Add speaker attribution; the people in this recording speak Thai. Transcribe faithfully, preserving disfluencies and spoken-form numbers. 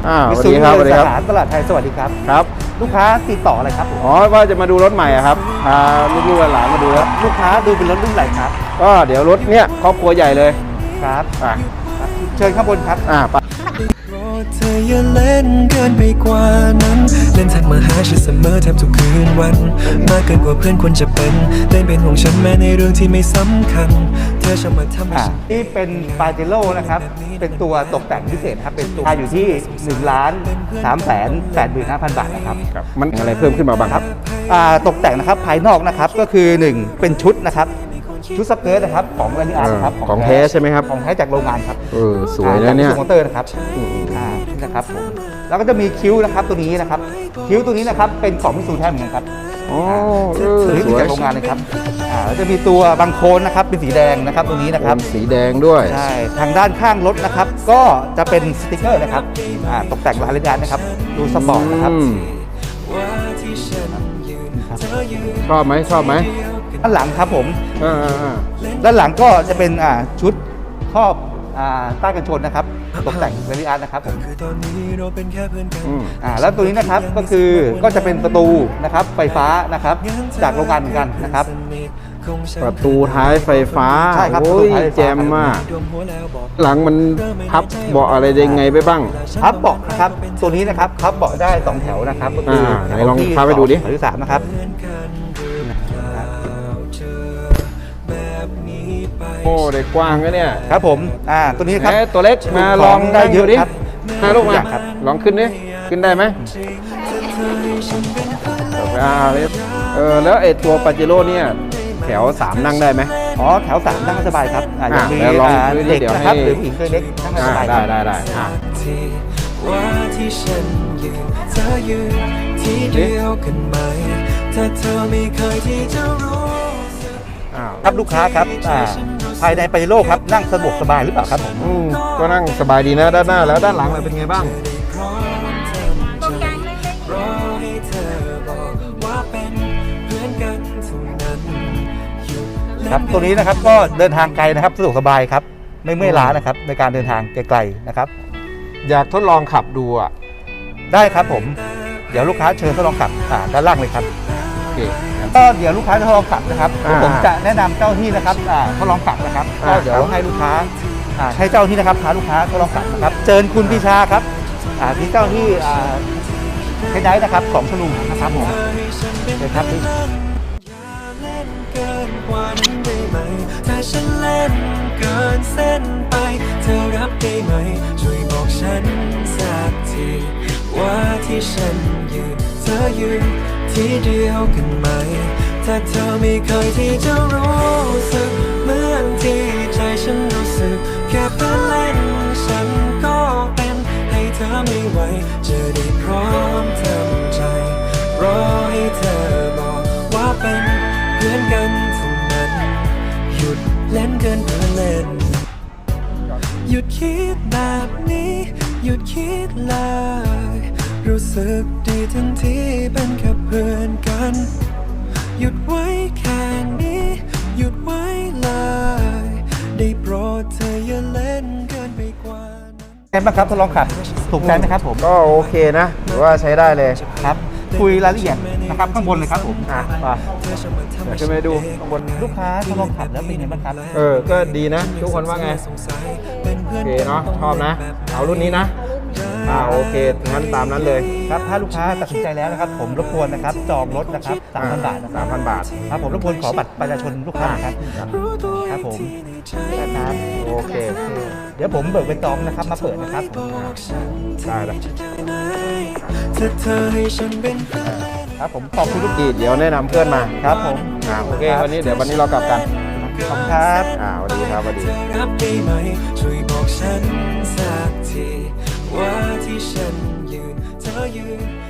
Speaker 1: อ่าส
Speaker 2: มิ
Speaker 1: วัส
Speaker 2: ซู
Speaker 1: ดีครับสวัสดี
Speaker 2: สา
Speaker 1: ครับ
Speaker 2: ขาตลาดไทยสวัสดีครับ
Speaker 1: ครับ
Speaker 2: ลูกค้าติดต่ออะไรครับผม
Speaker 1: อ๋อว่าจะมาดูรถใหม่อะครับพาลูกๆหลานๆมาดูครับ
Speaker 2: ลูกค้าดูเป็นรถรุ่นไหนครับ
Speaker 1: ก็เดี๋ยวรถเนี้ยครอบครัวใหญ่เลย
Speaker 2: ครับ
Speaker 1: อ่ะ
Speaker 2: ครับเชิญข้างบนครับ
Speaker 1: อ่าไป
Speaker 3: เธออย่าเล่นเกินไปกว่านั้นเล่นทักมาหาฉันเสมอแทบทุกคืนวันมากเกินกว่าเพื่อนควรจะเป็นเล่นเป็นห่วงฉันแม้ในเรื่องที่ไม่สำคัญเธอชอบมาทำให้
Speaker 2: อ่า
Speaker 3: ฉัน
Speaker 2: นี่เป็นปาเจโร่นะครับ เป็นตัวตกแต่งพิเศษครับ เป็นตัวอยู่ที่หนึ่งล้านสามแสนแปดหมื่นห้าพันบาทนะครับ
Speaker 1: ครับมันอะไรเพิ่มขึ้นมาบ้างครับ
Speaker 2: อ่าตกแต่งนะครับภายนอกนะครับก็คือหนึ่งเป็นชุดนะครับ ชุดสเกิร์ตนะครับของแรนิอาร์นะครับ
Speaker 1: เออของแท้ใช่ไหมครับ
Speaker 2: ของแท้จากโรงงานครับ
Speaker 1: เออสวยนะเนี่ย
Speaker 2: จากมอเตอร์นะครับ
Speaker 1: อืม
Speaker 2: อ่านี่นะครับผมแล้วก็จะมีคิ้วนะครับตัวนี้นะครับ คิ้วตัวนี้นะครับเป็นของมิตซูแท้เหมือนกันครับ
Speaker 1: อ๋อเออ
Speaker 2: ตัวนี้
Speaker 1: ส
Speaker 2: เป็น
Speaker 1: วย
Speaker 2: จากโรงงานเลยครับอ่าแล้วจะมีตัวบังโคนนะครับเป็นสีแดงนะครับตัวนี้นะครับ
Speaker 1: เป็นสีแดงด้วย
Speaker 2: ใช่ทางด้านข้างรถนะครับ ก็จะเป็นสติกเกอร์นะครับอ่าตกแต่งลายเลนนะครับดูสปอร์ตนะครับ
Speaker 1: อืมชอบไหมชอบไหม
Speaker 2: ด้านหลังครับผม
Speaker 1: อ่าอ่าอ่า
Speaker 2: ด้านหลังก็จะเป็นอ่าชุดครอบอ่าใต้กันชนนะครับตกแต่งเรนิอาร์นะครับผม
Speaker 3: คือตอนนี้เราเป็นแค่เพื่อนกัน
Speaker 1: อืม
Speaker 2: อ่าแล้วตัวนี้นะครับก็คือก็จะเป็นประตูนะครับไฟฟ้านะครับจากโรงงานเหมือนกันนะครับ
Speaker 1: ประตูท้ายไฟฟ้า
Speaker 2: ใช่ครับ
Speaker 1: โอ้
Speaker 2: ประตู
Speaker 1: ย
Speaker 2: ท้ายไฟฟ้า
Speaker 1: แจมมาก หลังมันพับเบาะอะไรยังไงไปบ้าง
Speaker 2: พับเบาะนะครับตัวนี้นะครับพับเบาะได้สองแถวนะครับก็คือ
Speaker 1: อ่า
Speaker 2: แถ
Speaker 1: ไหน
Speaker 2: ว
Speaker 1: ลอง
Speaker 2: ที่
Speaker 1: พับให้ดูดิ
Speaker 2: แถวที่สามนะครับ
Speaker 1: โอ้ได้กว้างนะเนี่ย
Speaker 2: ครับผมอ่าตัวนี้ครับ
Speaker 1: แหมตัวเล็กมาลอง
Speaker 2: ได้เยอะ
Speaker 1: ดิ
Speaker 2: ครับ
Speaker 1: มาลูกมา
Speaker 2: ครับ
Speaker 1: ลองขึ้นดิขึ้นได้ไหมอ่าเออแล้วไอ้ตัวปาเจโร่เนี่ยแถวสามนั่งได้ไหม
Speaker 2: อ๋อแถวสามนั่งสบายครับอ่ายังมี
Speaker 1: อ่าแล้วลอง
Speaker 2: อ่า
Speaker 1: ดูดิ
Speaker 2: เด็ก
Speaker 1: เดี๋ยว
Speaker 2: นะครับ
Speaker 1: ให้
Speaker 2: หรือผู้หญิงตัวเล็กนั่งส
Speaker 1: อ่า
Speaker 2: บายค
Speaker 1: ได้
Speaker 2: รับ
Speaker 1: ได้ได้อ่า
Speaker 3: ที่ว่าที่ฉันยืนเธอยืนที่เดียวกันไหมถ้าเธอไม่เคยที่จะรู้สึก
Speaker 1: อ้าว
Speaker 2: ครับลูกค้าครับอ่าภายในปาเจโร่ครับนั่งสะดวกสบายหรือเปล่าครับผม
Speaker 1: อืมก็นั่งสบายดีนะด้านหน้าแล้วด้านหลังล่ะเป็นไงบ้าง
Speaker 3: รอให้เธอบอกว่าเป็นเพื่อนกันเท่านั้นหยุดเล่
Speaker 2: ครับตัวนี้นะครับก็เดินทางไกลนะครับสะดวกสบายครับไม่เมื่อยล้านะครับในการเดินทางไกลๆนะครับ
Speaker 1: อยากทดลองขับดูอ่ะ
Speaker 2: ได้ครับผมเดี๋ยวลูกค้าเชิญทดลองขับอ่าด้านล่างเลยครับ
Speaker 1: โอเค
Speaker 2: ก็เดี๋ยวลูกค้าจะทดลองขับนะครับ
Speaker 1: อ่า
Speaker 2: ผมจะแนะนำเจ้าหน้าที่นะครับอ่าทดลองขับนะครับ
Speaker 1: อ่า
Speaker 2: ก็เดี๋ยว
Speaker 1: ครับ
Speaker 2: ให้ลูกค้าอ่าให้เจ้าหน้าที่นะครับพาลูกค้าทดลองขับนะครับเชิญคุณพิชาครับอ่าที่เจ้าหน้าที่อ่าเทนไดนะครับของชลุมนะครับผมเชิญครับ
Speaker 3: เล่นเกินกว่านั้นได้ไหมถ้าฉันเล่นเกินเส้นไปเธอรับได้ไหมช่วยบอกฉันสักทีว่าที่ฉันยืนเธอยืนที่เดียวกันไหมถ้าเธอไม่เคยที่จะรู้สึกเหมือนที่ใจฉันรู้สึกแค่เพื่อนเล่นฉันก็เป็นให้เธอไม่ไหวจะได้พร้อมทำใจรอให้เธอบอกว่าเป็นเพื่อนกันเท่านั้นหยุดเล่นเกินเพื่อนเล่นหยุดคิดแบบนี้หยุดคิดเลยรู้สึกดีทั้งที่เป็นแค่เพื่อนกันหยุดไว้แค่นี้หยุดไว้เลยได้โปรดเธออย่าเล่นเกินไปกว่านั้น
Speaker 2: ไงบ้างครับทดลองขับถูกใจไหมครับผม
Speaker 1: ก็โอเคนะถือว่าใช้ได้เลย
Speaker 2: ครับคุยรายละเอียดนะครับข้างบนเลยครับผม
Speaker 1: อ่ะไปเดี๋ยวขึ้นไปดูข้างบน
Speaker 2: ลูกค้าทดลองขับแล้วเป็นไงบ้างครับ
Speaker 1: เออ ก็ดีนะ ทุกคนว่าไง โอเคเนาะ ชอบนะ เอารุ่นนี้นะ อ่า โอเค งั้นตามนั้นเลย
Speaker 2: ครับถ้าลูกค้าตัดสินใจแล้วนะครับ ผมรบกวนนะครับจองรถนะครับสามพันบาทนะค
Speaker 1: สา
Speaker 2: รับ
Speaker 1: มพันบาท
Speaker 2: ครับผมรบกวนขอบัตรประชาชนลูกค้านะครับครับผมนะครับ
Speaker 1: โอเค
Speaker 2: เดี๋ยวผมเบิกเป็นจองนะครับมาเปิดนะครับ
Speaker 1: ได้แล้ว
Speaker 3: ถ้าเธอให้ฉันเป็น
Speaker 2: ครับผมขอบคุณลูก
Speaker 1: กีดเดี๋ยวแนะนำเพื่อนมา
Speaker 2: ครับผม
Speaker 1: อ่า โอเค วันนี้เดี๋ยววันนี้เรากลับกัน
Speaker 2: ขอบคุณครับ
Speaker 1: อ่าสวัสดีครับสวัสดี
Speaker 3: เธอรับได้ไหมช่วยบอกฉันสักทีว่าที่ฉันยืนเธอยืน